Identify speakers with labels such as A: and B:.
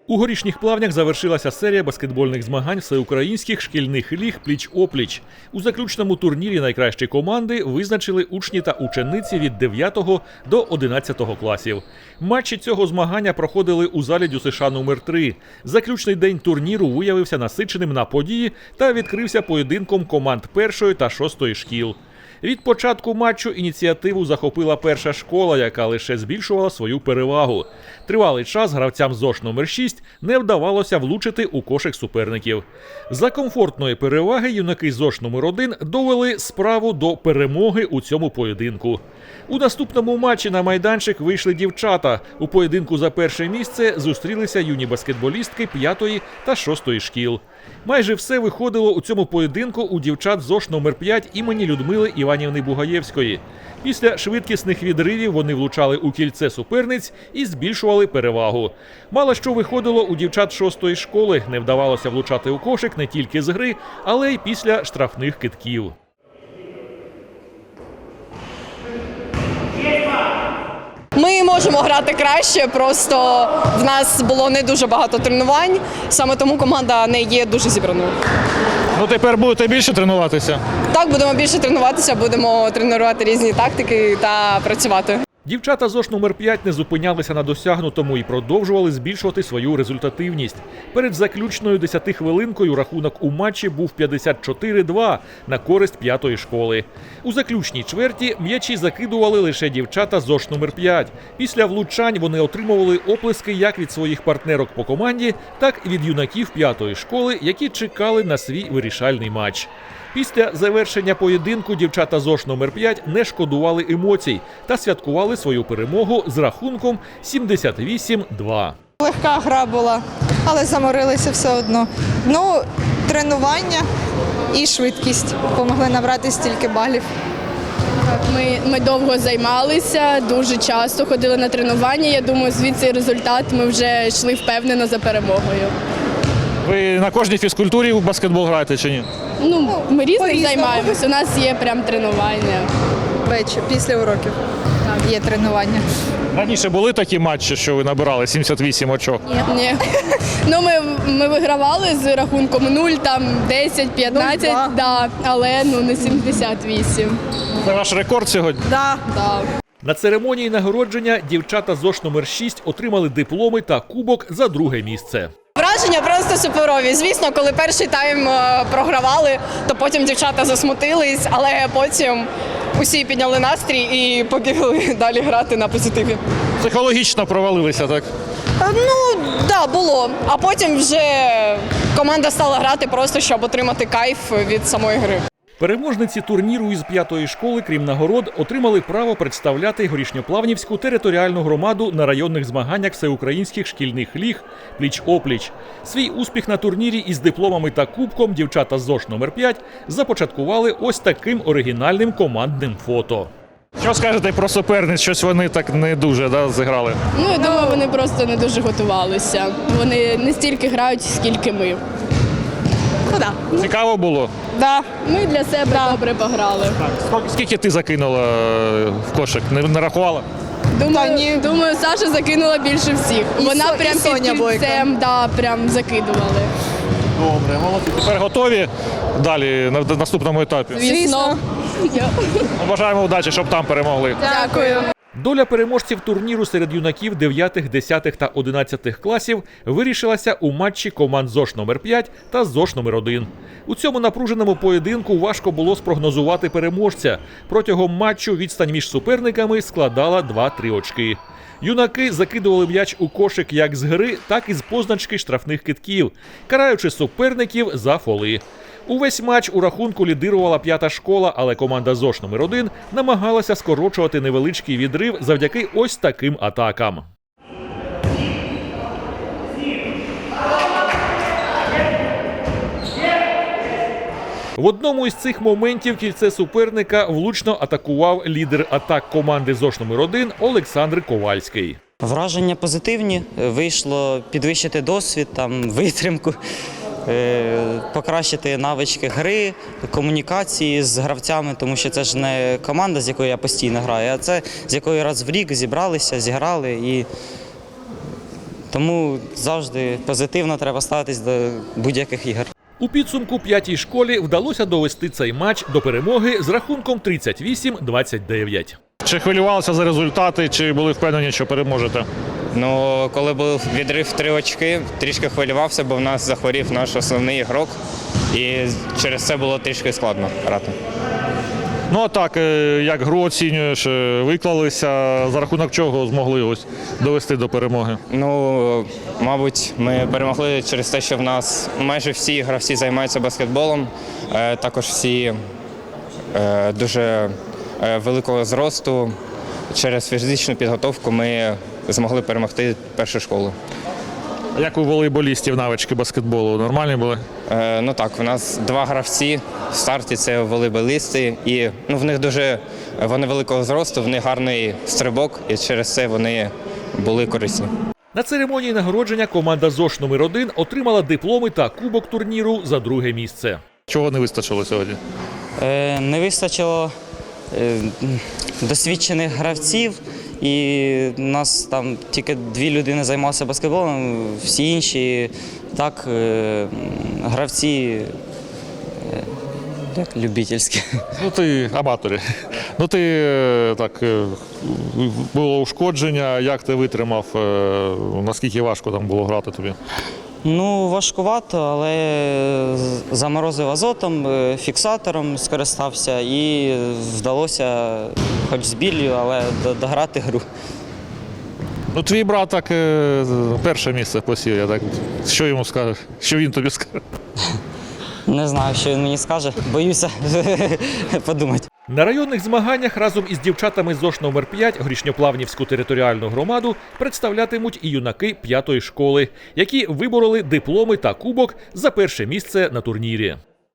A: У Горішніх Плавнях завершилася серія баскетбольних змагань всеукраїнських шкільних ліг пліч-опліч. У заключному турнірі найкращі команди визначили учні та учениці від 9 до 11 класів. Матчі цього змагання проходили у залі ДЮСШ номер 3. Заключний день турніру виявився насиченим на події та відкрився поєдинком команд 1 та 6 шкіл. Від початку матчу ініціативу захопила перша школа, яка лише збільшувала свою перевагу. Тривалий час гравцям ЗОШ номер 6 не вдавалося влучити у кошик суперників. За комфортної переваги юнаки ЗОШ номер 1 довели справу до перемоги у цьому поєдинку. У наступному матчі на майданчик вийшли дівчата. У поєдинку за перше місце зустрілися юні баскетболістки 5 та 6 шкіл. Майже все виходило у цьому поєдинку у дівчат ЗОШ номер 5 імені Людмили Іванівни Бугаєвської. Після швидкісних відривів вони влучали у кільце суперниць і збільшували перевагу. Мало що виходило у дівчат 6 школи. Не вдавалося влучати у кошик не тільки з гри, але й після штрафних кидків.
B: Ми можемо грати краще, просто в нас було не дуже багато тренувань, саме тому команда не є дуже зібраною.
C: Ну тепер будете більше тренуватися?
B: Так, будемо більше тренуватися, будемо тренувати різні тактики та працювати.
A: Дівчата ЗОШ номер 5 не зупинялися на досягнутому і продовжували збільшувати свою результативність. Перед заключною 10-хвилинкою рахунок у матчі був 54-2 на користь 5 школи. У заключній чверті м'ячі закидували лише дівчата ЗОШ номер 5. Після влучань вони отримували оплески як від своїх партнерок по команді, так і від юнаків 5 школи, які чекали на свій вирішальний матч. Після завершення поєдинку дівчата ЗОШ номер 5 не шкодували емоцій та святкували свою перемогу з рахунком 78-2.
D: Легка гра була, але заморилися все одно. Ну, тренування і швидкість допомогли набрати стільки балів.
E: Ми довго займалися, дуже часто ходили на тренування. Я думаю, звідси результат ми вже йшли впевнено за перемогою.
C: Ви на кожній фізкультурі в баскетбол граєте чи ні?
E: Ну, ми різних
D: По-різному.
E: займаємося, у нас є прям тренування.
D: Ввечері, після уроків є тренування.
C: Раніше були такі матчі, що ви набирали 78 очок?
E: Ні. Ну, ми вигравали з рахунком 0, там 10, 15,
D: 0-2.
E: да, але не 78.
C: Це ваш рекорд сьогодні?
E: Да.
A: На церемонії нагородження дівчата ЗОШ номер 6 отримали дипломи та кубок за друге місце.
B: Враження просто суперові. Звісно, коли перший тайм програвали, то потім дівчата засмутились, але потім усі підняли настрій і побігли далі грати на позитиві.
C: Психологічно провалилися, так?
B: Ну, так, було. А потім вже команда стала грати просто, щоб отримати кайф від самої гри.
A: Переможниці турніру із 5 школи, крім нагород, отримали право представляти Горішньоплавнівську територіальну громаду на районних змаганнях всеукраїнських шкільних ліг пліч-опліч. Свій успіх на турнірі із дипломами та кубком дівчата ЗОШ номер 5 започаткували ось таким оригінальним командним фото.
C: Що скажете про суперниць? Щось вони так не дуже зіграли?
E: Ну, я думаю, вони просто не дуже готувалися. Вони не стільки грають, скільки ми.
B: Ну, да.
C: Цікаво було?
E: Да. Ми для себе добре пограли.
C: Скільки ти закинула в кошик? Не рахувала?
E: Думаю, Саша закинула більше всіх. Вона
D: і
E: прям
D: Соня
E: під
D: Бойко.
E: кільцем, прям закидували.
C: Добре, молодці. Тепер готові далі на наступному етапі?
E: Звісно.
C: Бажаємо удачі, щоб там перемогли.
E: Дякую.
A: Доля переможців турніру серед юнаків 9, 10 та 11 класів вирішилася у матчі команд ЗОШ номер 5 та ЗОШ номер 1. У цьому напруженому поєдинку важко було спрогнозувати переможця. Протягом матчу відстань між суперниками складала 2-3 очки. Юнаки закидували м'яч у кошик як з гри, так і з позначки штрафних кидків, караючи суперників за фоли. Увесь матч у рахунку лідирувала 5 школа, але команда ЗОШ номер 1 намагалася скорочувати невеличкий відрив завдяки ось таким атакам. В одному із цих моментів кільце суперника влучно атакував лідер атак команди ЗОШ номер 1 Олександр Ковальський.
F: Враження позитивні. Вийшло підвищити досвід, витримку, покращити навички гри, комунікації з гравцями, тому що це ж не команда, з якою я постійно граю, а це з якою раз в рік зібралися, зіграли і Тому завжди позитивно треба ставитись до будь-яких ігор.
A: У підсумку п'ятій школі вдалося довести цей матч до перемоги з рахунком 38-29.
C: Чи хвилювалися за результати, чи були впевнені, що переможете?
G: Ну, коли був відрив 3 очки, трішки хвилювався, бо в нас захворів наш основний ігрок. І через це було трішки складно грати.
C: Ну а так, як гру оцінюєш, виклалися, за рахунок чого змогли ось довести до перемоги?
G: Ну, мабуть, ми перемогли через те, що в нас майже всі гравці займаються баскетболом. Також всі дуже великого зросту. Через фізичну підготовку ми змогли перемогти першу школу.
C: А як у волейболістів навички баскетболу? Нормальні були?
G: Ну так, у нас 2 гравці в старті це волейболісти, і в них вони великого зросту, в них гарний стрибок, і через це вони були корисні.
A: На церемонії нагородження команда ЗОШ номер 1 отримала дипломи та кубок турніру за друге місце.
C: Чого не вистачило сьогодні?
F: Не вистачило досвідчених гравців, і у нас там тільки 2 людини займалися баскетболом, всі інші так гравці як любительські.
C: Ну ти аматорі. Ну ти так було ушкодження, як ти витримав, наскільки важко там було грати тобі?
F: Ну, важкувато, але заморозив азотом, фіксатором скористався і вдалося, хоч з біллю, але дограти гру.
C: Ну твій брат так перше місце посів, я так. Що йому скажеш? Що він тобі скаже?
F: Не знаю, що він мені скаже, боюся подумати.
A: На районних змаганнях разом із дівчатами ЗОШ номер 5 Горішньоплавнівську територіальну громаду представлятимуть і юнаки 5-ї школи, які вибороли дипломи та кубок за перше місце на турнірі.